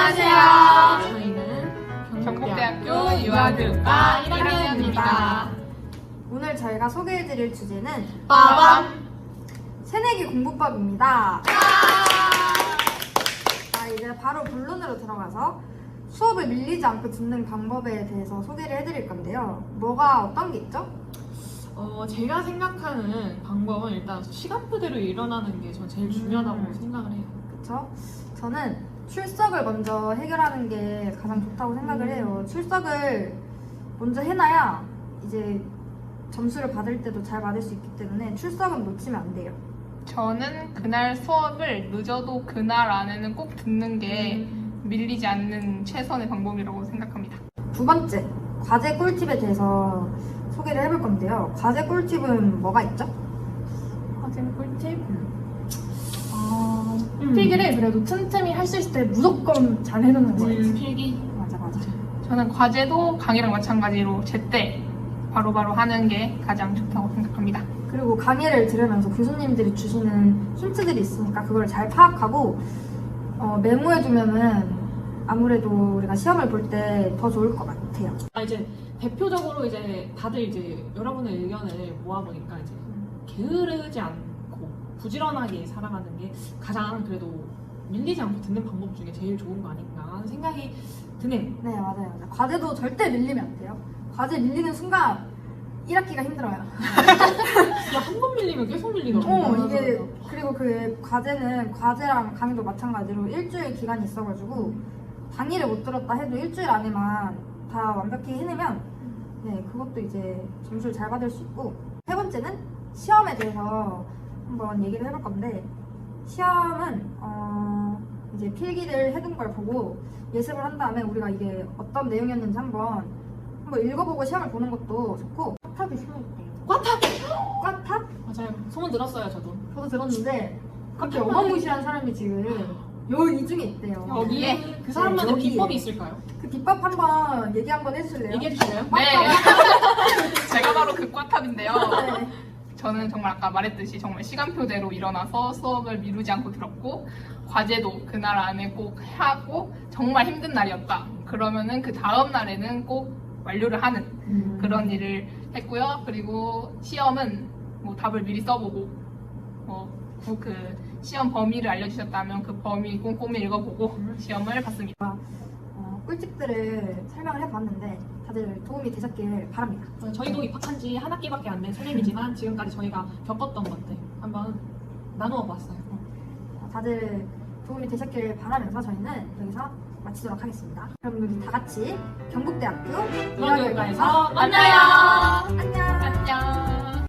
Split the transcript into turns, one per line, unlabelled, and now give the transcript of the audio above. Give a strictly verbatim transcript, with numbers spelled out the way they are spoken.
안녕하세요.
저희는
경북대학교 유아교육과 일 학년입니다.
오늘 저희가 소개해드릴 주제는
빠밤!
새내기 공부법입니다. 자, 이제 바로 본론으로 들어가서 수업을 밀리지 않고 듣는 방법에 대해서 소개를 해드릴 건데요. 뭐가 어떤 게 있죠?
어, 제가 생각하는 방법은 일단 시간표대로 일어나는 게 전 제일 중요하다고
음.
생각을 해요.
그쵸? 저는 출석을 먼저 해결하는 게 가장 좋다고 생각을 해요. 출석을 먼저 해놔야 이제 점수를 받을 때도 잘 받을 수 있기 때문에 출석은 놓치면 안 돼요.
저는 그날 수업을 늦어도 그날 안에는 꼭 듣는 게 밀리지 않는 최선의 방법이라고 생각합니다.
두 번째, 과제 꿀팁에 대해서 소개를 해볼 건데요. 과제 꿀팁은 뭐가 있죠?
과제 꿀팁? 어, 필기를 그래도 틈틈이 할 수 있을 때 무조건 잘 해놓는 거예요.
음, 필기.
맞아, 맞아.
저는 과제도 강의랑 마찬가지로 제때 바로바로 하는 게 가장 좋다고 생각합니다.
그리고 강의를 들으면서 교수님들이 주시는 힌트들이 있으니까 그걸 잘 파악하고 어, 메모해두면은 아무래도 우리가 시험을 볼 때 더 좋을 것 같아요.
아, 이제 대표적으로 이제 다들 이제 여러분의 의견을 모아보니까 이제 게으르지 않고 부지런하게 살아가는 게 가장 그래도 밀리지 않고 듣는 방법 중에 제일 좋은 거 아닌가 하는 생각이 드네요.
네, 맞아요. 맞아요. 과제도 절대 밀리면 안 돼요. 과제 밀리는 순간 일 학기가 힘들어요.
한 번 밀리면 계속 밀리더라고요.
어, 이게 그리고 그 과제는 과제랑 강의도 마찬가지로 일주일 기간이 있어가지고 강의를 못 들었다 해도 일주일 안에만 다 완벽히 해내면 네, 그것도 이제 점수를 잘 받을 수 있고. 세 번째는 시험에 대해서 한번 얘기를 해볼 건데, 시험은 어, 이제 필기를 해둔 걸 보고 예습을 한 다음에 우리가 이게 어떤 내용이었는지 한번 한번 읽어보고 시험을 보는 것도 좋고. 꽈탑이 심해있대요.
꽈탑!
꽈탑?
맞아요. 소문 들었어요, 저도.
저도 들었는데 갑자기 어마무시한 사람이 지금 요 이 중에 있대요.
여기에?
그 사람만의
네, 여기에.
비법이 있을까요?
그 비법 한번 얘기 한번 해주실래요?
얘기해 주실래요?
네. 제가 바로 그 꽈탑인데요.
네.
저는 정말 아까 말했듯이 정말 시간표대로 일어나서 수업을 미루지 않고 들었고, 과제도 그날 안에 꼭 하고, 정말 힘든 날이었다. 그러면은 그 다음 날에는 꼭 완료를 하는
음.
그런 일을 했고요. 그리고 시험은 뭐 답을 미리 써보고, 뭐 그 시험 범위를 알려주셨다면 그 범위 꼼꼼히 읽어보고 시험을 봤습니다.
어, 꿀팁들을 설명을 해봤는데 다들 도움이 되셨길 바랍니다.
어, 저희도 입학한 지 한 학기밖에 안 된 새내기지만 지금까지 저희가 겪었던 것들 한번 나누어 봤어요.
어, 다들 도움이 되셨길 바라면서 저희는 여기서 마치도록 하겠습니다. 그럼 우리 다 같이 경북대학교
유아교육과에서
유아교육과에서
만나요!